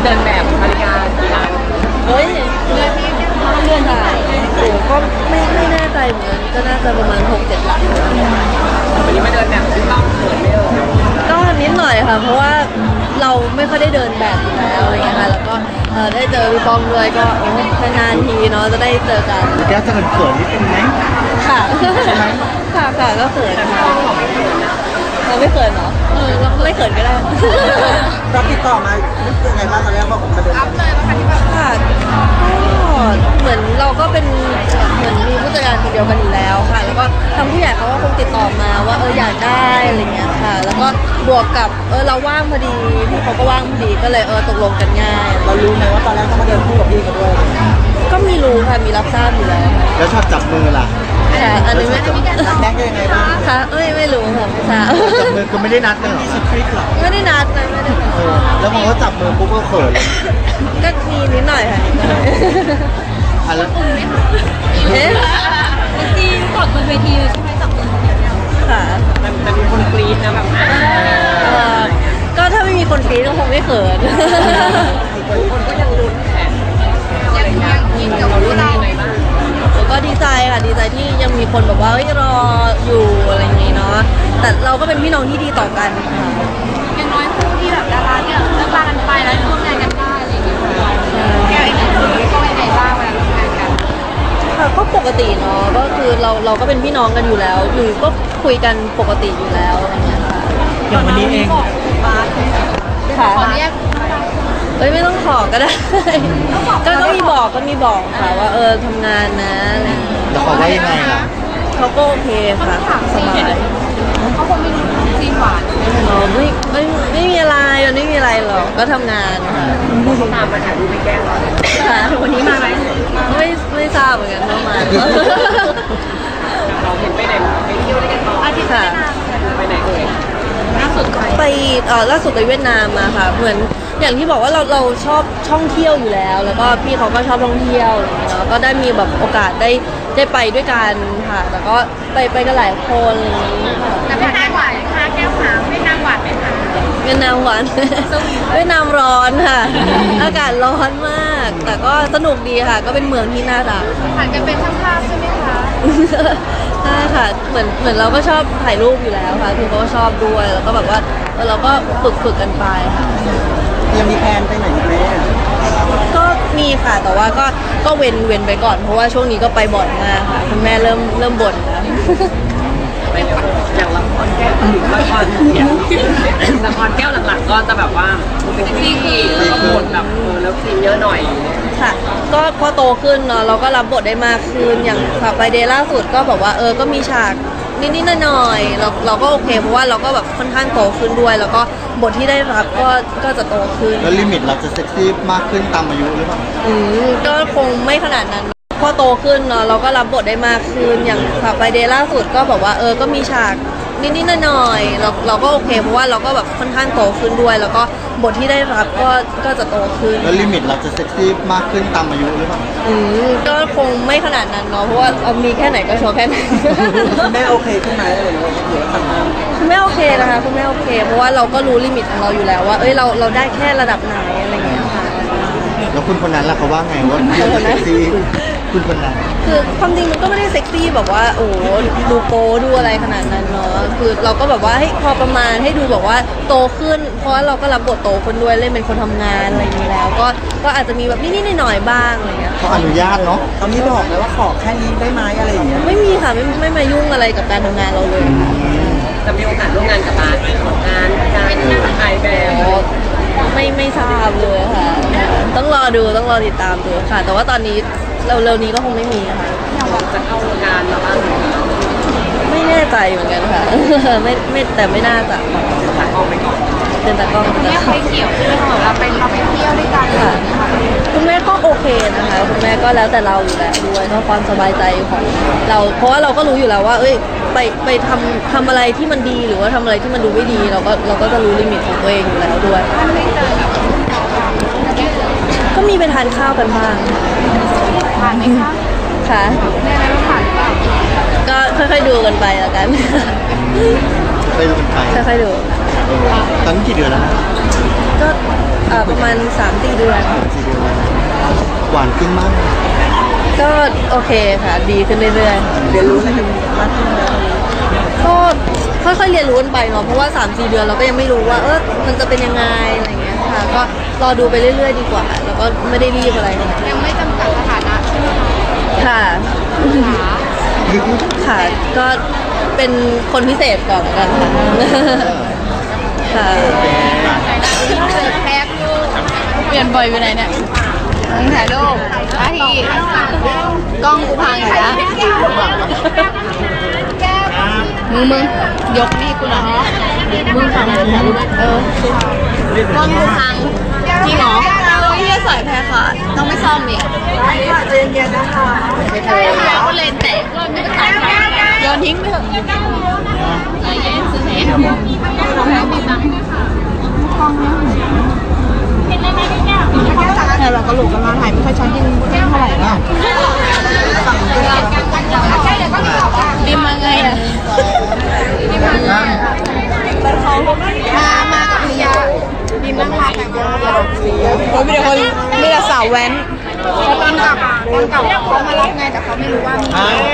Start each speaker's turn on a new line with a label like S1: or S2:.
S1: เดินแบบภรรยากี่ล้าน
S2: เฮ้ยเดือนค่ะโอ้ก็ไม่แน่ใจเหมือนก็น่าจะประมาณ6-7 หลัก
S1: วันนี้มาเดินแบบที่ต้องเขินไม่เอ่ย
S2: ก็นิดหน่อยค่ะเพราะว่าเราไม่ค่อยได้เดินแบบอยู่แล้วอะไรเงี้ยค่ะแล้วก็ได้เจอพี่ป้อมด้วยก็นานๆทีเนาะจะได้เจอกัน
S3: แก้วจะเขินนิดนึงไหม
S2: ค่ะค่ะก็เขินค่ะเราไม่เขินเหรอเราไม่เขินก็ได้
S3: ตอนติดต่อมายังไงบ้างตอนแรกว่าผมจะเดินรับเลยว่า
S2: ค่ะเหมือนเราก็เป็นเหมือนมีผู้จัดการคนเดียวกันอยู่แล้วค่ะแล้วก็ทางผู้ใหญ่เขาก็คงติดต่อมาว่าอยากได้อะไรเงี้ยค่ะแล้วก็บวกกับเราว่างพอดีพี่เขาก็ว่างพอดีก็เลยตกลงกันง่าย
S3: เรารู้ไหมว่าตอนแรกต้องมาเดินคู่กับพี่เขาด้วย
S2: ก็มีรู้ค่ะมีรับทราบอยู่แล้ว
S3: ชอบจับมือล่ะ
S2: ค่ะอันนี้ไม่
S3: แดงยังไงบ้าง
S2: ค่ะไม่รู้ค่ะไม่ทราบ
S3: จับมือคือไม่ได้นัดเลยหรอ
S2: ไม่ได้นัดเลยไม่ได้
S3: แล้วพอเขาจับมือปุ๊บก็เขิน
S2: ก็มีนิดหน่อยค่ะ
S3: แล้ว
S2: จริงกดบนเวทีใช่ไหมจับมือค่ะ
S1: มันมีคนกรี๊ดนะแบบ
S2: ก็ถ้าไม่มีคนกรี๊ดก็คงไม่เขิน
S1: คนก็ยังลุ้นแข่ยังกินกับเราลุ้นยังไงบ้าง
S2: ก็ดีใจค่ะดีใจที่ยังมีคนแบบว่ารออยู่อะไรอย่างงี้เนาะแต่เราก็เป็นพี่น้องที่ดีต่อกันค่ะ
S4: อย่างน้อยคู่ที่แบบดาราเนี่ยเลิกลากันไปแล้วร่วมงานกันได้อะไรอย่างเงี้ยแกอีกคนก็ยังไงบ้างเวลาร่วมงานกัน
S2: ค่ะก็ปกติเนาะก็คือเราก็เป็นพี่น้องกันอยู่แล้วอยู่ก็คุยกันปกติอยู่แล้วอะไรเงี้ยค่ะ
S3: อย่างวันนี้เอง
S2: ค่ะ
S4: ขอเรียก
S2: ไม่ต้องขอก็ได้ก็มีบอกค่ะว่าทำงานนะอะไร
S3: แล้วเขาว่ายังไงล่ะ
S2: เขาก็โอเคค่ะสบาย
S4: เขาคงไม่รู้ซีนหวาน
S2: ไม่มีอะไรมันไม่มีอะไรหรอกก็ทำงานค่ะ
S1: ตามมาถ่ายรูปไปแก้เรา
S2: ค่ะวันนี้มาไหมไม่ทราบเหมือนกันว่ามา
S1: เราเห็นไปไหนไปเที่ยวด้วยกันต่อ
S2: อาทิตย์ค่ะ
S1: ไปไหนเอ่ย
S2: ล่าสุดไปเวียดนามมาค่ะเหมือนอย่างที่บอกว่าเราชอบท่องเที่ยวอยู่แล้วแล้วก็พี่เขาก็ชอบท่องเที่ยวอะไรอย่างเงี้ยเนาะก็ได้มีแบบโอกาสได้ไปด้วยกันค่ะแต่ก็ไปกันหลายคนอะไรอย่างงี้ค่ะ
S4: แต่เป็นนางหวานค่ะแก้วขาวเป็นนางหวานไหมคะ
S2: เวียดนามหวานเวียดนามร้อนค่ะอากาศร้อนมากแต่ก็สนุกดีค่ะก็เป็นเมืองที่น่ารัก
S4: ผ่านกันเป็นช่างภาพใช่ไหมคะ
S2: ใช่ค่ะเหมือนเราก็ชอบถ่ายรูปอยู่แล้วค่ะคือเขาก็ชอบด้วยแล้วก็แบบว่าเราก็ฝึกกันไปค่ะ
S3: ยังมีแพลนไปไหนไหม
S2: ก็มีค่ะแต่ว่าก็เว้นไปก่อนเพราะว่าช่วงนี้ก็ไปบ่อยมากค่ะคุณแม่เริ่มบ่นแล้ว
S1: อย่างละครแก้วหลักๆก็จะแบบว่าเป็นซีรีส์แล้วก็บทแบบแล้วซีนเยอะหน่อย
S2: ค่ะก็พอโตขึ้นเนาะเราก็รับบทได้มากขึ้นอย่างค่ะไปเดย์ล่าสุดก็แบบว่าก็มีฉากนิดๆหน่อยๆเราก็โอเคเพราะว่าเราก็แบบค่อนข้างโตขึ้นด้วยแล้วก็บทที่ได้รับก็จะโตขึ้น
S3: แล้วลิมิตเราจะเซ็กซี่มากขึ้นตามอายุหรือเปล่า
S2: ก็คงไม่ขนาดนั้นพอโตขึ้นเนาะเราก็รับบทได้มากขึ้นอย่างค่ะไปเดย์ล่าสุดก็แบบว่าก็มีฉากนิดๆหน่อยๆเราก็โอเคเพราะว่าเราก็แบบค่อนข้างโตขึ้นด้วยแล้วก็บทที่ได้รับก็จะโตขึ้น
S3: แล้วลิมิตเราจะเซ็กซี่มากขึ้นตามอายุหรือเปล่า
S2: ก็คงไม่ขนาดนั้นเนาะเพราะว่ามีแค่ไหนก็โชว์แค่นั้น
S3: แม่โอเคขึ้นไหมอะไรอย่างเงี้ยหรือว่าทำงาน
S2: คุณแม่โอเคนะคะคุณแม่โอเคเพราะว่าเราก็รู้ลิมิตของเราอยู่แล้วว่าเราได้แค่ระดับไหนอะไรเงี้ยค่ะ
S3: แล้วคุณคนนั้นล่ะเขาว่าไงว่าเซ็กซี่คุณคนนั้น
S2: คือความจริงมันก็ไม่ได้เซ็กซี่แบบว่าโอ้ดูโป๊ดูอะไรขนาดนั้นเนาะคือเราก็แบบว่าให้พอประมาณให้ดูแบบว่าโตขึ้นเพราะว่าเราก็รับบทโตขึ้นด้วยเล่นเป็นคนทำงานอะไรอย่างนี้แล้วก็อาจจะมีแบบนิดๆหน่อยๆบ้างอะไรเงี้ย
S3: เขาอนุญาตเนาะเขาไม่บอกเลยว่าขอแค่นี้ได้ไหมอะไรอย่างเงี้ย
S2: ไม่มีค่ะไม่มายุ่งอะไรกับการทำงานเราเลย
S1: จะมีโอกาสร่วมงานกับการถ่ายแบบ
S2: ไม่ทราบเลยค่ะต้องรอติดตามดูค่ะแต่ว่าตอนนี้เร็วๆนี้ก็คงไม่มีค่ะ
S1: จะเข้างานแล้วบ้าง
S2: ไม่แน่ใจเหมือนกันค่ะไม่แต่ไม่น่าจะ
S1: ตากล้องไปก่อน
S2: เป็นตากล้อง
S4: แม่เคยเกี่ยวที่เราไปเที่ยวด้วยกัน
S2: ค่ะคุณแม่ก็โอเคนะคะคุณแม่ก็แล้วแต่เราอยู่แล้วด้วยก็ความสบายใจของเราเพราะว่าเราก็รู้อยู่แล้วว่าไปทำอะไรที่มันดีหรือว่าทำอะไรที่มันดูไม่ดีเราก็จะรู้ลิมิตของตัวเองอยู่แล้วด้วยก็มีไปทานข้าวกันบ้าง
S4: ผ่านไหมคะ
S2: ค่ะ
S4: แม่แล้วผ่านเปล่า
S2: ก็ค่อยๆดูกันไปแล้วกัน
S3: ไปดูกันไป
S2: ค่อยๆดู
S3: ตอนนี้กี่เดือนแล้ว
S2: กก็ประมาณ 3-4 เดือน
S3: หวานขึ้นมาก
S2: ก็โอเคค่ะดีขึ้นเรื่อยๆเรียนรู้อะไรมากขึ้นก็ค่อยๆเรียนรู้กันไปเนาะเพราะว่า 3-4 เดือนเราก็ยังไม่รู้ว่ามันจะเป็นยังไงอะไรเงี้ยค่ะก็รอดูไปเรื่อยๆดีกว่าแล้วก็ไม่ได้รีบอะไรค่ะ
S4: ยังไม่จำกัดสถานะใช่ไหมคะ
S2: ค่ะ ค่ะก็เป็นคนพิเศษก่อนแล้วกันค่ะค่ะ
S4: แพ็คลูกเปลี่ยนบ่อยไปไหนเนี่ยถ่ายรูปอาทีกล้องกูพังอีกแล้วมึงยกนี่กูหน่อยมึงพังถ่ายรูปกล้องกูพังจริงเหรอพี่จะสอยแพ้ค่ะต้องไม่ซ่อมอีกเย็นๆนะคะใช่ค่ะก็เลนแตกก็ไม่ต้องตัดโยนทิ้งไปเถอะใจเย็นซื้อไหนของให้มีตังค์แต่เรากระโหลกกันมาถ่ายไม่ค่อยชัดยิ่งเท่าไหร่แล้วดิมมาไงอ่ะดิมมาไงมากับพิยาดิมนั่งหลับแต่งตัวโอ้ยมีแต่คนมีแต่สาวแว้นตอนกลับเขามารับไงแต่เขาไม่รู้ว่ามี